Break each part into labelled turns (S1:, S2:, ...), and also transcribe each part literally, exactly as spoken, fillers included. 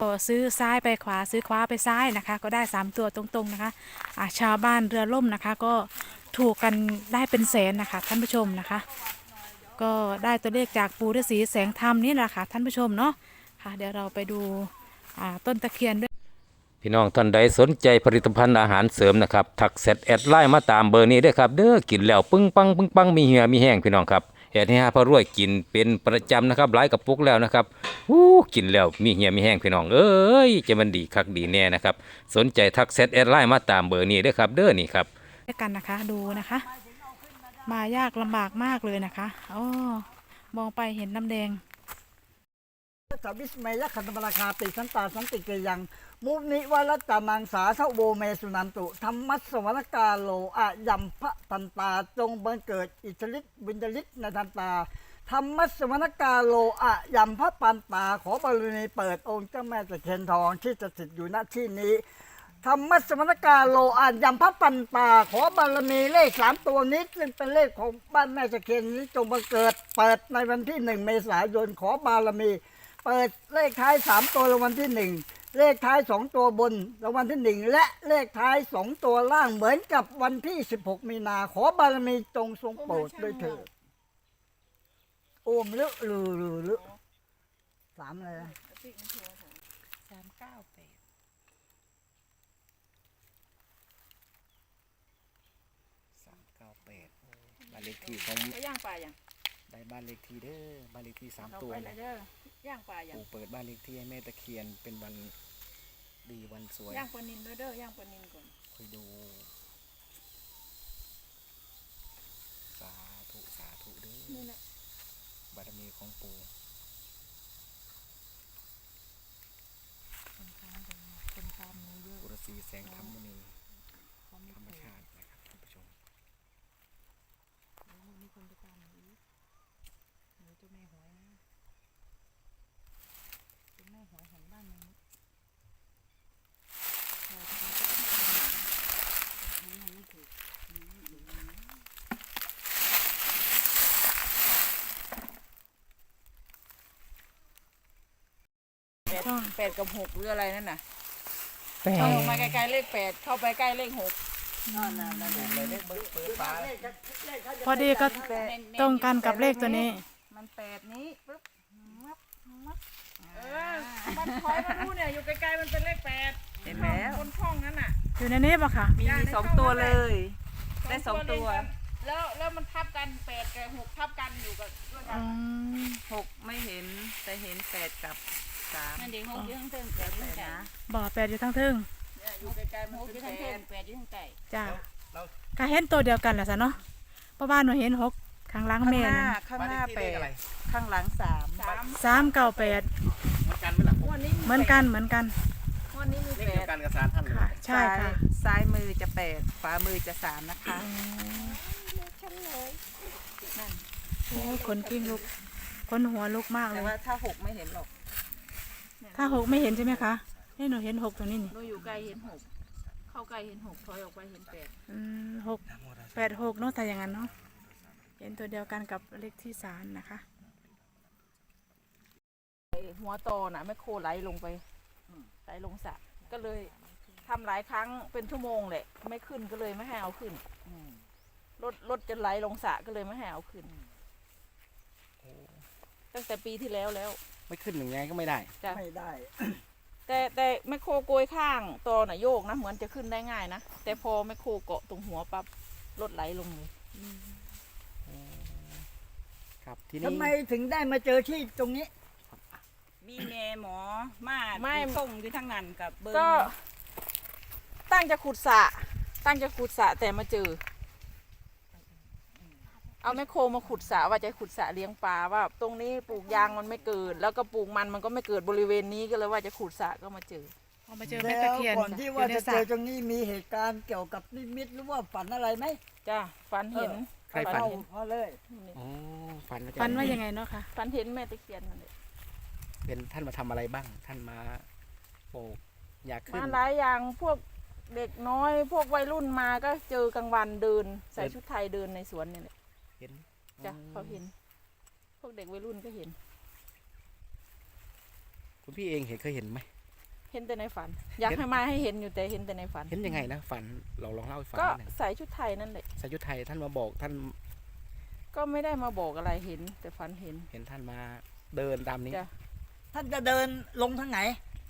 S1: ซื้อซ้ายไปขวาซื้อขวาไปซ้ายนะคะก็ได้สามตัวตรงๆนะคะอ่าชาวบ้านเรือล่มนะคะก็ถูกกันได้เป็นแสนนะคะท่านผู้ชมนะคะก็ได้ตัวเลขจากปู่ฤาษีแสงธรรมนี่แหละค่ะท่านผู้ชมเนาะค่ะเดี๋ยวเราไปดูอ่าต้นตะเคียนด้วย
S2: พี่น้องท่านใดสนใจผลิตภัณฑ์อาหารเสริมนะครับทักแชทแอดไลน์มาตามเบอร์นี้ด้วยครับเด้อกินแล้วปึ้งปังปึ้งปังมีเหี่ยมีแห้งพี่น้องครับแอดให้หาพระรวยกินเป็นประจำนะครับหลายกระปุกแล้วนะครับอู้กินแล้วมีเหี่ยมีแห้งพี่น้องเอ้ยจะมันดีคักดีแน่นะครับสนใจทักแชทแอดไลน์มาตามเบอร์นี้ด้วยครับเด้อนี่ครับ
S1: ด้วยกันนะคะดูนะคะ มายากลำบากมากเลยนะคะอ๋อมองไปเห็นน้ำแดง
S3: สัวิสเมยขันธมราคาติสันตาสันติเกยังมุนิวรัตตานังสาสโวเมสุนันตุธรรมัสสวรกาโลอะยัมพะตันตาจงบังเกิดอิสริตวิญญลิตในทันตาธรรมัสสวรกาโลอะยัมพะปันตาขอบารมีเปิดองค์เจ้าแม่ตะเคียนทองที่จะสิทธิ์อยู่ณที่นี้ธรรมัสมณกาโลอายัมพระปันตาขอบารมีเลขสามตัวนี้ซึ่งเป็นเลขของบ้านแม่ตะเคียนนี้จงบังเกิดเปิดในวันที่หนึ่งเมษายนขอบารมีเปิดเลขท้ายสามตัวรางวัลที่หนึ่งเลขท้ายสองตัวบนรางวัลที่หนึ่งและเลขท้ายสองตัวล่างเหมือนกับวันที่สิบหกมีนาขอบารมีจงทรงโปรดด้วยเถิดโอมลึลือลือลือสามเลยนะ
S1: สามเก้าแปด
S4: สามเก้าแปดบ้านเลขที่ของ
S5: ไปย่างปลาอย่าง
S4: ได้บ้านเลขที่เด้อบ้านเลขที่สาม
S5: เอา
S4: ตัว
S5: ไปเล
S4: นะ
S5: ยเด้อย่างปลาอย่าง
S4: ปู่เปิดบ้านเลขที่ให้แม่ตะเคียนเป็นวันดีวันสวย
S5: ย่างปลานินด้วยเด้อย่างปลานินก่อน
S4: คอยดูสาธุสาธุเด้อ
S5: นี่แหละ
S4: บารมีของปู่
S1: คนตามหนูเยอะ
S4: ปุรสีแสงธรรมณีธรรมชาตินะครับท่านผู้ชม
S1: มีคนไปตามหนูอีกหนูเจ้าแม่หวยนะเจ้าแม่หวยของบ้านนี้เราจะต้องทำให้มันถูก
S5: แปดแปดกับหกหรืออะไรนั่นน่ะ
S1: แปด
S5: เข้าลงมาใกล้ๆเลขแปดเข้าไปใกล้เลขหก
S4: เลยเลขเบิกเปิดฟ้า
S1: พอดีก็ตรงกันกับเลขตัวนี้
S5: มันแปดนี้ปึ๊บงับงับเออมันคอยมาดูเนี่ยอยู่ไกลๆมันเป็นเลขแปดเห็นแล้วบนช่องนั้นน่ะ
S1: อยู่ในนี้ปะคะ
S5: มีสองตัวเลย ได้สองตัวแล้วแล้วมันทับกันแปดกับหกทับกันอยู่กับด้วยกั
S1: อื
S5: น
S1: ม
S6: หกไม่เห็นแต่เห็นแปดกับสาม
S5: นั่นเด็กหกอยู่ข้างเทิงแปดอยู่ข้างใต้
S1: บ่อแปดอยู่ทั้งทึ่ง
S5: เนี่ยอยู่ไกลๆมัน
S6: หก
S5: อ
S6: อยู่
S5: ยู่
S6: ข้า
S5: ข้าง ง
S6: เทิ
S5: เทิ
S6: ง
S5: งแปดอยู่ข้างใต้
S1: จ้าก็เห็นตัวเดียวกันแหละสะเนาะเพราะบ้านหนูเห็นหกข้างหล่าง
S6: ข้าง
S1: แม่
S6: หน้า
S1: นะ
S6: ข้างหน้าแปดข้างหลังสาม
S5: สาม
S1: สามเก้าแปด
S4: เหมือนกันไหมล่ะ
S5: วันนี้
S1: เหมือนกันเหมือนกัน
S5: วันนี้มี
S4: เลข
S5: แป
S4: เดีย
S5: ด
S4: วกันกับสารท่านเลย
S1: ค่ะ ใช่ค่ะ
S6: ซ้ายซ้ายมือจะแปดขวามือจะสามนะคะ
S1: โอ้ยขนกิ้งลุกขนหัวลุกมากเล
S6: แต่
S1: ย
S6: ว่าถ้าหกไม่เห็นหรอก
S1: ถ้าหกไม่เห็นใช่ไหมคะนี่หนูเห็นหกตรงนี้นี่
S5: เราอยู่ไกลเห็นหกเข้าใกล้เห็นหกถอยออกไปเห็นแปด
S1: อืมหกแปดหกเนาะแต่อย่างนั้นเนาะเห็นตัวเดียวกันกับเลขที่สามนะคะ
S5: หัวโตน่ะแม่โคไหลลงไปไหลลงสระก็เลยทำหลายครั้งเป็นชั่วโมงแหละไม่ขึ้นก็เลยไม่ให้เอาขึ้นรถรถจะไหลลงสระก็เลยไม่ให้เอาขึ้นตั้งแต่ปีที่แล้วแล้ว
S4: ไม่ขึ้นหนึ่งไงก็ไม่ได้
S5: จ้ะ
S3: ไม่ได้
S5: แต่แต่แม่โคโกยข้างตอน่ะโยกนะเหมือนจะขึ้นได้ง่ายนะแต่พอแม่โคเกาะตรงหัวปั๊บรถไหลลงเลย
S4: ครับที่นี่
S3: ทำไมถึงได้มาเจอที่ตรงนี้
S6: มีแม่หมอมา
S5: ไม่
S6: ส่งอยู่ทั้งนั้นกับเบอร์
S5: ก็ตั้งจะขุดสระตั้งจะขุดสระแต่มาเจอ เอาแมคโครมาขุดสระว่าจะขุดสระเลี้ยงปลาว่า ตรงนี้ปลูกยางมันไม่เกิด แล้วก็ปลูกมันมันก็ไม่เกิดบริเวณนี้ก็เลยว่าจะขุดสระก็มาเจอ
S1: พอมาเจอแม่
S3: แล้
S1: ตะ
S3: ว
S1: เคียน
S3: ก่อนที่
S1: อยู่
S3: ว่า
S1: ใน
S3: จะ
S1: ส
S3: เจ
S1: ระ
S3: อตรงนี้มีเหตุการณ์เกี่ยวกับนิมิตหรือว่าฝันอะไรไหม
S5: จ้าฝันเห็น
S4: ใครฝัน
S3: เอา
S4: เห็น
S3: เอาเลย
S4: อ๋อฝัน
S1: ฟันว่ายังไงเนาะคะ
S5: ฝันเห็นแม่ตะเคียนนั่นแหละ
S4: เป็นท่านมาทำอะไรบ้าง ท่านมาโปกอยากขึ้น
S5: มาหลายอย่างพวกเด็กน้อย พวกวัยรุ่นมาก็เจอกลางวันเดิน ใส่ชุดไทยเดินในสวนนี่แหละ
S4: เห็น
S5: จ้ะเขาเห็น พวกเด็กวัยรุ่นก็เห็น
S4: คุณพี่เองเห็นเคยเห็นไหม
S5: เห็นแต่ในฝัน อยากให้มาให้เห็นอยู่แต่เห็นแต่ในฝัน
S4: เห็นยังไงนะฝันเราลองเล่าให้ฟัง
S5: ก็
S4: นิดหนึ่ง
S5: ใส่ชุดไทยนั่นแหละ
S4: สายุทธไทยท่านมาบอกท่าน
S5: ก็ไม่ได้มาบอกอะไรเห็น แต่ฝันเห็น
S4: เห็นท่านมาเดินตามนี้
S5: จ้ะ
S3: ท่านจะเดินลงทางไหน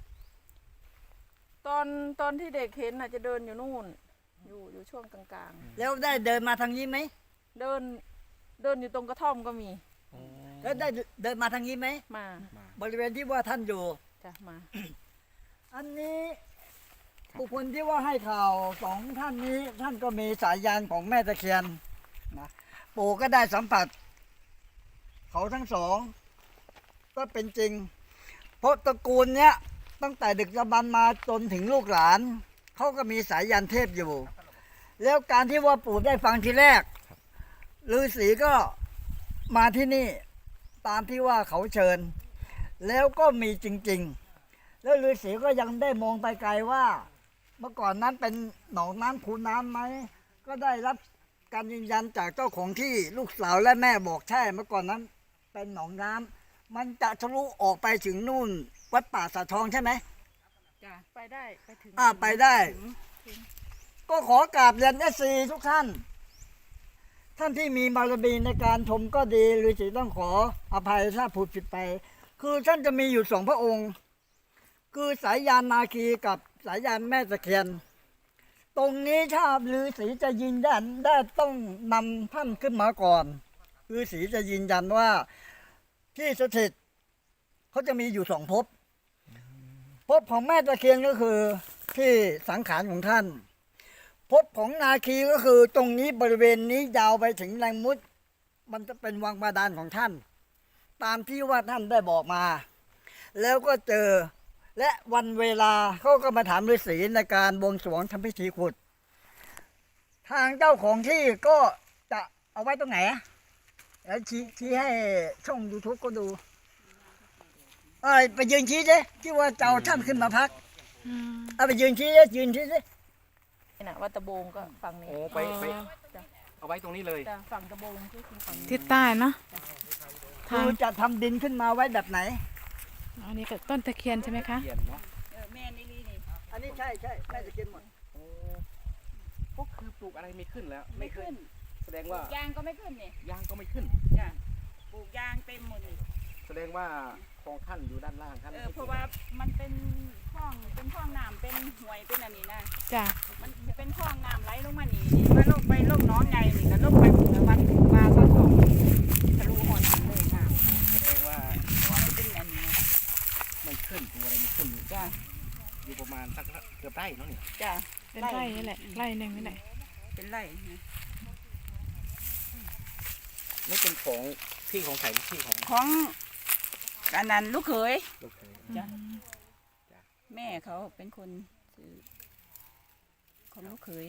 S5: ตอนตอนที่เด็กเห็นน่ะจะเดินอยู่นู่น อยู่อยู่ช่วงกลาง
S3: แล้วได้เดินมาทางนี้ไหม
S5: ๆ เดินเดินอยู่ตรงกระท่อมก็มี
S3: แล้วได้เดินมาทางนี้ไหม
S5: มา
S4: มา
S3: บริเวณที่ว่าท่านอยู่
S5: จ้ะมา
S3: อันนี้บุคคลที่ว่าให้ข่าวสองท่านนี้ ท่านก็มีสายยานของแม่ตะเคียนนะปู่ก็ได้สัมผัส เขาทั้งสอง ก็เป็นจริง เพราะตระกูลเนี้ยตั้งแต่ดึกดำบรรพ์มาจนถึงลูกหลานเขาก็มีสายยานเทพอยู่ แล้วการที่ว่าปู่ได้ฟังทีแรกฤาษีก็มาที่นี่ตามที่ว่าเขาเชิญ แล้วก็มีจริง ๆ แล้วฤาษีก็ยังได้มองไปไกลว่า เมื่อก่อนนั้นเป็นหนองน้ำคูน้ำไหมก็ได้รับการยืนยันจากเจ้าของที่ลูกสาวและแม่บอกใช่ เมื่อก่อนนั้นเป็นหนองน้ำมันจะทะลุออกไปถึงนู่น วัดป่าสะทองใช่ไหม
S5: จ้ะไปได้ไปถึง
S3: อ่าไปได้ ก็ขอกราบเรียนเอซีทุกท่าน ท่านที่มีบารมีในการชมก็ดีฤาษีต้องขออภัยถ้าพูดผิดไป คือท่านจะมีอยู่สองพระองค์ คือสายยานนาคีกับสายยานแม่ตะเคียน ตรงนี้ถ้าฤาษีจะยืนยันได้ต้องนำท่านขึ้นมาก่อนฤาษีจะยืนยันว่าที่สถิตเขาจะมีอยู่สองภพภพของแม่ตะเคียนก็คือที่สังขารของท่านภพของนาคีก็คือตรงนี้บริเวณนี้ยาวไปถึงแรงมุด มันจะเป็นวังบาดาลของท่าน ตามที่ว่าท่านได้บอกมา แล้วก็เจอและวันเวลาเขาก็มาถามฤาษีในการบวงสรวงทำพิธีขุด ทางเจ้าของที่ก็จะเอาไว้ตรงไหนอะแล้วชี้ชี้ให้ช่องยูทูบก็ดูเอ้ยไปยืนชี้สิที่ว่าจะเอาท่านขึ้นมาพัก
S1: อืม
S3: เอาไปยืนชี้สิยืนชี้สิ
S5: นี่นะวัดตะโบงก็ฝั่งนี้
S4: โอ้ไปไป
S5: จ้ะ
S4: เอาไว้ตรงนี้เลย
S5: จ้ะฝั่งตะโบงก็คือฝั่งนี้
S1: ทิศใต้เนาะทา
S3: คื
S1: ง
S3: อจะทำดินขึ้นมาไว้แบบไหน
S1: อันนี้ก็ต้นตะเคียนใช่ไหมคะ
S4: เขียนเนาะ
S5: เออแม่นี่นี่นี่
S3: อันนี้ใช่ใช่แม่จะกินหมด
S4: โอ้ก็คือปลูกอะไรไม่ขึ้นแล้ว
S5: ไม่ขึ้น
S4: แสดงว่าย
S5: างก็ไม่ขึ้นนี่
S4: ยางก็ไม่ขึ้น
S5: จ้ะปลูกยางเต็มหมดนี่
S4: แสดงว่าของท่านอยู่ด้านล่างท่าน
S5: เออเพราะว่ามันเป็นคลองเป็นคลองน้ำเป็นห้วยเป็นอันนี้นะ
S1: จ้ะ
S5: มันจะเป็นคลองน้ำไหลลงมานี่นี่มาลงไปลงหน้องไงนี่ก็ลงไปถึงวัดปลาสะทองทะลุหอดเลยน้ำ
S4: แสดงว่า
S5: เพราะว่ามันเป็นอันนี้นะ
S4: ไม่ขึ้นตัวอะไรไม่ขึ้น
S5: จ้ะ
S4: อยู่ประมาณสักเกือบไร่เนาะเนี่ย
S5: จ้ะ
S1: เป็นไร่นี่แหละไร่หนึ่งนี่แหละ
S5: เป็นไร่นะ
S4: ไม่เป็นของที่ของใครที่ของ
S5: ของอันนั้นลูกเขย
S4: ลูกเขย
S5: จ้ะ แม่เขาเป็นคนซื้อของลูกเขย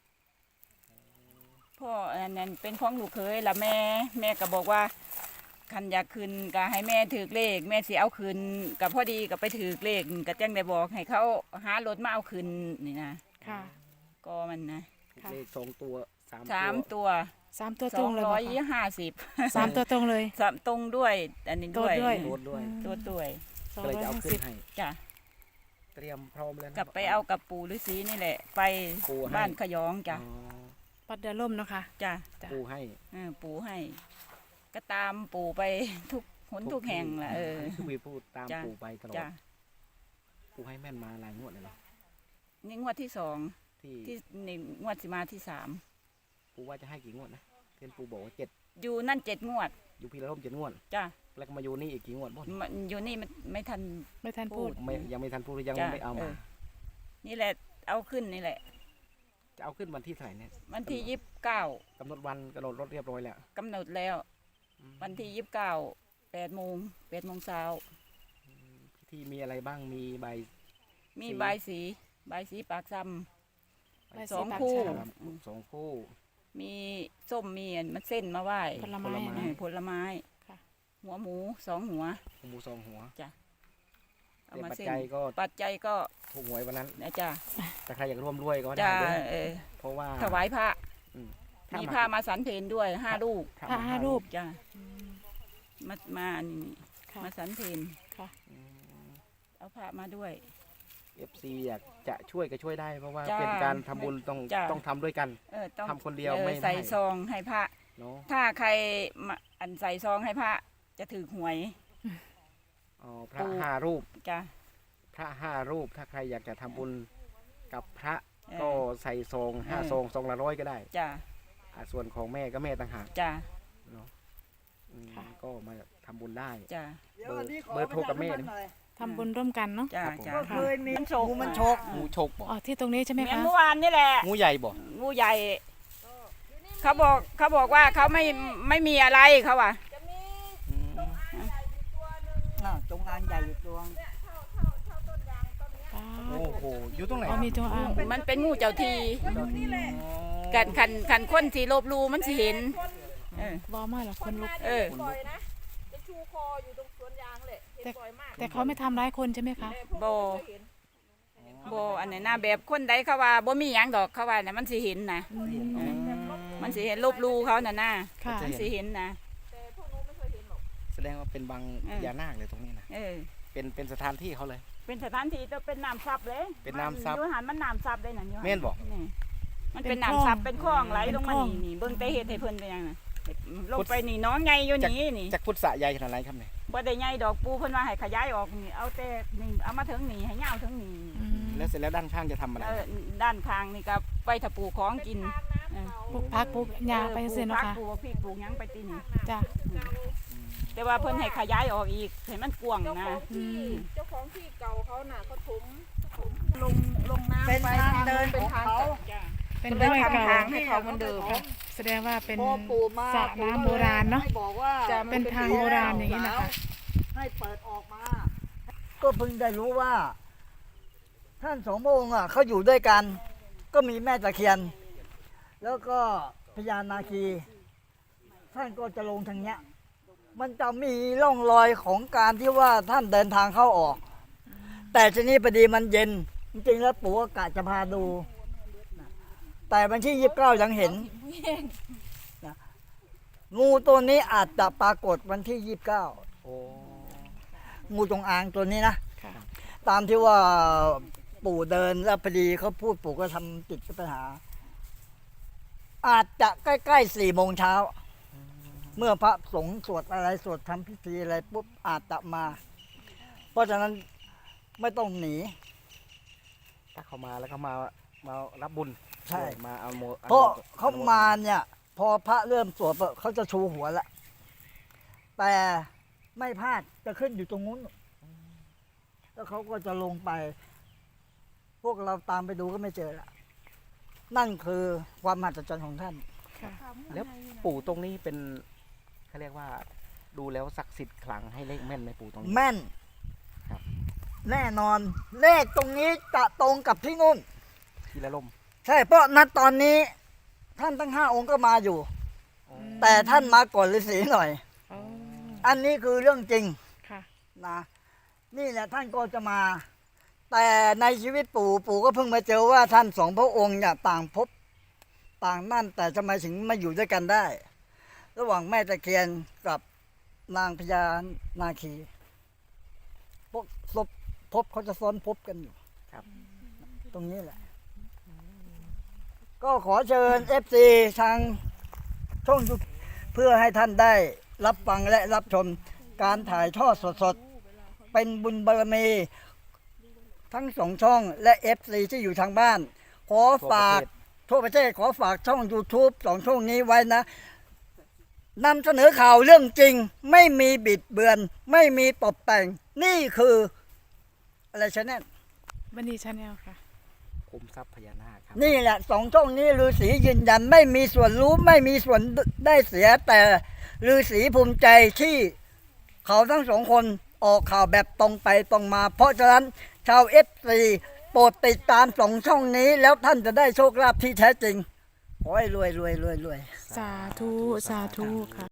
S5: พ่ออันนั้นเป็นของลูกเขยแล้วแม่ แม่ก็บอกว่าคันอยากคืนก็ให้แม่ถือเลข แม่สิเอาคืนกับพอดีก็ไปถือเลขก็จังได้บอกให้เขาหารถมาเอาคืนนี่นะ
S1: ค่ะ
S5: ก็มันนะ
S1: ค่ะ
S4: เลขสองตัวสาม
S5: สาม
S4: ตัว
S5: ตัว
S1: สามตัว
S5: ส
S1: ตร
S5: อง ง
S1: เลย
S5: ร้
S1: บ
S5: อ
S1: อย ก
S5: ยี่ห้าสิบ
S1: สามตัวตรงเลย
S5: สามตรงด้วย อันนี้ด้วย
S1: ตัวด้วย
S4: โดนด้วย
S5: ตัวด้วย
S1: สอง
S4: ก็เลย
S1: ร้อย
S4: จะเอา
S1: ห้า
S4: ขึ้
S1: สิ
S4: น
S1: บ
S4: ให้
S5: จ้ะ
S4: เตรียมพร้อมแล้วนะ
S5: กลับไปเอากับปู่ฤาษีนี่แหละ ไป
S4: ปู่ให้
S5: บ้านขยองจ้ะ
S4: อ๋อ
S1: ปัดเดือล่มเนาะค่ะ
S5: จ้ะ
S1: จ้ะ
S4: ปูให้
S5: เออปู่ให้ ก็ตามปู่ไปทุกหนทุกแห่งแหละเออ
S4: ทุกวีพูดตาม
S5: จ้ะ
S4: ปูไปตลอด
S5: จ้ะ
S4: ปูให้แม่นมาหลายงวดเลยเนาะ
S5: นี่งวดที่สอง
S4: ที่
S5: ที่นี่งวดสิมาที่สาม
S4: ปูว่าจะให้กี่งวดนะเพื่อนปูบอกว่าเจ็ด
S5: อยู่นั่นเจ็ดงวด
S4: อยู่พีละร่มเจ็ดงวด
S5: จ้ะ
S4: แล้วก็มาอยู่นี่อีกกี่งวดบ่
S5: มันอยู่นี่มันไม่ทัน
S1: ไม่ทันพูด
S4: ไม่ยังไม่ทันพูดยัง
S5: จ้ะ
S4: ไม่เอา
S5: เอ
S4: มา
S5: อ นี่แหละเอาขึ้นนี่แหละ
S4: จะเอาขึ้นวันที่เท่าไหร่เนี่ย
S5: วันที่ยี่สิบเก้าก
S4: ำหนดวันกำหนดรถเรียบร้อยแล้ว
S5: กำหนดแล้ว วันที่ยี่สิบเก้าแปดโมงแปดโมงเช้า
S4: พิธีมีอะไรบ้างมีใบ
S5: มี
S4: สี
S5: ใบายสีใบายสีปากซ้
S1: ใบ
S5: ำ
S1: สี
S5: สอง
S1: ปาก
S5: คู่
S1: ฉลาม
S5: อืม
S4: สองคู่
S5: มีส้มมีอันมันเส้นมาไหว้
S1: ผลไม้
S4: ผลไม้
S5: เออผลไม้
S1: ค่ะ
S5: หัวหมูสองหัว
S4: หมูสองหัว
S5: เอา
S4: แต่
S5: มา
S4: ปัจ
S5: เส้น
S4: จัยก็
S5: ปัจจัยก็
S4: ถูกหวยวันนั้น
S5: นะจ้ะ
S4: แต่ใครอยากร่วมด้วยก็ได้
S5: จ้ะ
S4: เด้อ
S5: เออ
S4: เพราะว่า
S5: ถวายพระ
S4: อืม
S5: มีผ้ามาสันเพนด้วยห้าลูก
S4: ถ้
S1: พระห้ารูป
S5: จ้ะมา มาอันนี้
S1: ค่ะ
S5: มาสันเพน
S1: ค่ะ
S4: อืม
S5: เอาผ้ามาด้วย
S4: อืม
S5: เอาผ้ามาด้วย
S4: แล้ว
S5: เอา
S4: ปัจ
S5: ผ้า
S4: จั
S5: มา
S4: ยเอฟซีอยากจะช่วยก็ช่วยได้ เพราะว่า
S5: จ้า
S4: เป็นการทำบุญต้อง
S5: จ้า
S4: ต้องทำด้วยกัน
S5: เออต้อง
S4: ทำคนเดียว
S5: ออ
S4: ไม่ได้
S5: ใส่ซองให้พระ
S4: เนาะ
S5: ถ้าใครมาอันใส่ซองให้พระจะถือหวย
S4: อ๋อพระ
S5: ปู่
S4: ห้ารูป
S5: จ้ะ
S4: พระห้ารูปถ้าใครอยากจะทำบุญกับพระ
S5: เออ
S4: ก็ใส่ซองห้า
S5: เออ
S4: ซองซองละร้อยก็ได้
S5: จ้ะ
S4: อ่าส่วนของแม่ก็แม่ต่างหาก
S5: จ้ะ
S4: เนาะอืมก็มาทำบุญได้
S5: จ้ะ
S3: เดี๋ยวอันนี้ขอ
S4: เบอร์โทรกับแม่
S3: ประชาสัพันธ์หน่อย
S1: ทำบุญร่วมกันเนาะ
S5: จ้ะ
S4: ครับผม
S5: จ้ะ
S3: ก็เคยมี
S5: มันฉก
S3: งูมันฉก
S4: งูฉกบ่
S1: อ๋อที่ตรงนี้ใช่ไหม
S5: เหมือน
S1: คะ
S5: เมื่อวานนี่แหละ
S4: งูใหญ่บ่
S5: งูใหญ่ เขาบอกเขาบอกว่าเขาไม่ไม่มีอะไรเขาว่า
S4: อืม
S3: น่ะจงอางใหญ่อยู่ตัว
S1: อ๋อ
S4: โอ้โหอยู่ตรงไหน
S1: อ๋อมีจงอาง
S5: มันเป็นงูเจ้าที
S4: อ๋อ
S5: กันคันคันคนที่ลบหลูมันสิเห็น เออ
S1: บอมากเหรอคนลุก
S5: เออ
S6: บ่อยนะ จะชูคออยู่ตรงสวนยางเลยเห็น
S1: แต่
S6: บ่อยมาก
S1: แต่เขาไม่ทำร้ายคนใช่ไหมคะ
S5: โบโบอันไหนหน้าแบบคนใดเขาว่าบ่มีหยังดอกเขาว่าน่ะมันสิเห็นนะ
S1: อืม
S4: อืม
S5: มันสิเห็นลบหลูเขาน่ะนะ
S1: ค่ะ
S5: มันสิเห็นนะ
S6: แต่พวกนู้นไม่เคยเห็นหรอก
S4: แสดงว่าเป็นบาง
S5: เออ
S4: พญานาคเลยตรงนี้นะ
S5: เออ
S4: เป็นเป็นสถานที่เขาเลย
S5: เป็นสถานที่จะเป็นน้ำซับเลย
S4: เป็นน้ำซับ
S5: อยูหันมันน้ำซับเลยน่ะอยู่หั
S4: แม่นบ่
S5: นี่มันเป็นน้ำซับเป็นคลองไหลลงมานี่นี่เบิ่งแต่เฮ็ดให้เพิ่นเป็นหยังน่ะลงไปนี่น้องใหญ่อยู่นี่นี่
S4: จากพุทธะใหญ่ขนาดไหนครับเนี่ย
S5: บ่ได้ใหญ่ดอกปูเพิ่นว่าให้ขยายออกนี่เอาแต่นี่เอามาถึงนี่ให้ยาวถึงนี่
S1: อืม
S4: แล้วเสร็จแล้วด้านข้างจะทำอะไร
S5: เออด้านข้างนี่ก็ไปถ้าปลูกของกินเออ
S1: ปลูกพักปลูกยาไป
S5: ออ
S1: เสีย
S5: ปลู
S1: เนาะ
S5: กผัก
S1: ค่ะ
S5: ปลูกพริกปลูกหยังไปตีนี่
S1: จ้ะ
S5: แต่ว่าเพิ่นให้ขยายออกอีกให้มันกว้าง
S6: เจ้าข
S5: นะ
S6: อง
S1: อื
S6: ที่
S1: ม
S6: เจ้าของที่เก่าเขาน่ะเขาถมถมลงลงน้ำ
S3: เป็น
S6: ไป
S3: ทางเดิน
S6: เป็
S3: ข
S6: น
S3: อง
S6: ทาง
S3: เขา
S6: จ้ะ
S1: เป็น
S5: ก็
S1: ร้
S5: เลย
S1: อย
S5: ทำ
S1: เก่า
S5: ทางให้เขาเหมือนเดิม
S1: ค่ะแสดงว่าเป็น
S3: พอปู่มา
S1: สระน้ำโบราณเนาะ
S3: ให้บอกว่า
S5: จะ
S1: เป็นทางโบราณอย่างนี้นะคะ
S3: ให้เปิดออกมา ก็เพิ่งได้รู้ว่า ท่านสองพระองค์อ่ะเขาอยู่ด้วยกัน ก็มีแม่ตะเคียน แล้วก็พญานาคี ท่านก็จะลงทางเนี้ย มันจะมีร่องรอยของการที่ว่าท่านเดินทางเข้าออก แต่ทีนี้พอดีมันเย็น จริงๆแล้วปู่ก็กะจะพาดู แต่วันที่ยี่สิบเก้ายังเห็นนะงูตัวนี้อาจจะปรากฏวันที่ยี่สิบเก้า
S4: โอ้
S3: งูจงอางตัวนี้นะ
S1: ค่ะ
S3: ตามที่ว่าปู่เดินแล้วพอดีเขาพูดปู่ก็ทำจิตปัญหา อาจจะใกล้ๆสี่โมงเช้า เมื่อพระสงฆ์สวดอะไรสวดทำพิธีอะไรปุ๊บอาจจะมา เพราะฉะนั้นไม่ต้องหนี
S4: ถ้าเขามาแล้วเขามามารับบุญ
S3: ใช่
S4: มาเอาโม
S3: เพราะเขามาเนี่ย พอพระเริ่มสวดปุ๊บเขาจะชูหัวละแต่ไม่พลาดจะขึ้นอยู่ตรงนู้น แล้วเขาก็จะลงไป พวกเราตามไปดูก็ไม่เจอละนั่นคือความมหัศจรรย์ของท่าน
S1: ค่ะ
S4: แล้วปู่ตรงนี้เป็นเขาเรียกว่า ดูแล้วศักดิ์สิทธิ์ขลังให้เลขแม่นไหมปู่ตรงนี้
S3: แม่น
S4: ครับ
S3: แน่นอน เลขตรงนี้จะตรงกับที่นู่น
S4: ทีละลม
S3: ใช่เพราะนัดตอนนี้ ท่านทั้งห้าองค์ก็มาอยู่ แต่ท่านมาก่อนฤาษีหน่อย
S1: อ๋อ
S3: อันนี้คือเรื่องจริง
S1: ค่ะ
S3: นะนี่แหละท่านก็จะมา แต่ในชีวิตปู่ปู่ก็เพิ่งมาเจอว่าท่านสองพระองค์เนี่ยต่างภพต่างนั่นแต่ทำไมถึงมาอยู่ด้วยกันได้ ระหว่างแม่ตะเคียนกับนางพญานาคีพวกศพภพเขาจะซ้อนภพกันอยู่
S4: ครับ
S3: ตรงนี้แหละ ก็ขอเชิญเอฟซีทางช่องยูเพื่อให้ท่านได้รับฟังและรับชมการถ่ายทอดสดๆ เป็นบุญบารมี ทั้งสองช่องและ เอฟ ซี ที่อยู่ทางบ้าน ขอฝากทั่วประเทศขอฝากช่อง YouTube สองช่องนี้ไว้นะนำเสนอข่าวเรื่องจริง ไม่มีบิดเบือน ไม่มีตกแต่ง นี่คือ อะไรชแนล
S1: บันดีชาแนลค่ะ
S4: คุมทรัพย์พญานาคครับ
S3: นี่แหละสองช่องนี้ฤาษียืนยันไม่มีส่วนรู้ไม่มีส่วนได้เสีย แต่ฤาษีภูมิใจที่เขาทั้งสองคนออกข่าวแบบตรงไปตรงมา เพราะฉะนั้นชาวเอฟซีโปรดติดตามสองช่องนี้ แล้วท่านจะได้โชคลาภที่แท้จริง ขอให้รวยรวยรวยรวย
S1: สาธุ สาธุค่ะ